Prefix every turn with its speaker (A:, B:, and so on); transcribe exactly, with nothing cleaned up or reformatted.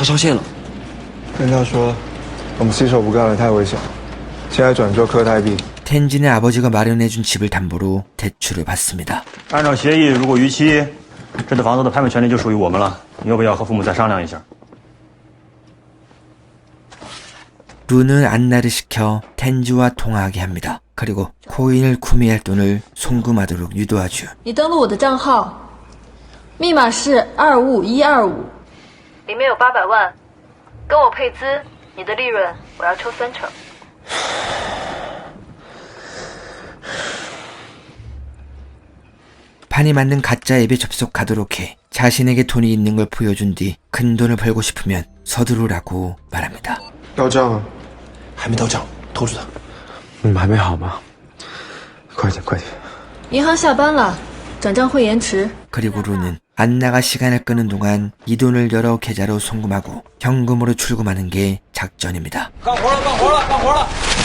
A: 他上线了。
B: 跟他说，我们洗手不干了，太危险。现在转做科泰币。
C: 텐진의 아버지가 마련해준 집을 담보로 대출을 받습니다.
D: 按照协议，如果逾期，这套房子的拍卖权利就属于我们了。你要不要和父母再商量一下？
C: 룬은 안나를 시켜 텐지와 통화하게 합니다. 그리고 코인을 구매할 돈을 송금하도록 유도하죠.
E: 你登录我的账号，密码是二五五一二五，里面有八百万，跟我配资，你的利润我要抽三成。
C: 판이 만든 가짜 앱에 접속하도록 해 자신에게 돈이 있는 걸 보여준 뒤 큰 돈을 벌고 싶으면 서두르라고 말합니다.
B: 到账了，
A: 还没到账，拖住他。
B: 嗯，还没好吗？快点，快点。
E: 银行下班了，转账会延迟。
C: 그리고 룬은 안나가 시간을 끄는 동안 이 돈을 여러 계좌로 송금하고 현금으로 출금하는 게 작전입니다.
A: 干活了，干活了，干活了！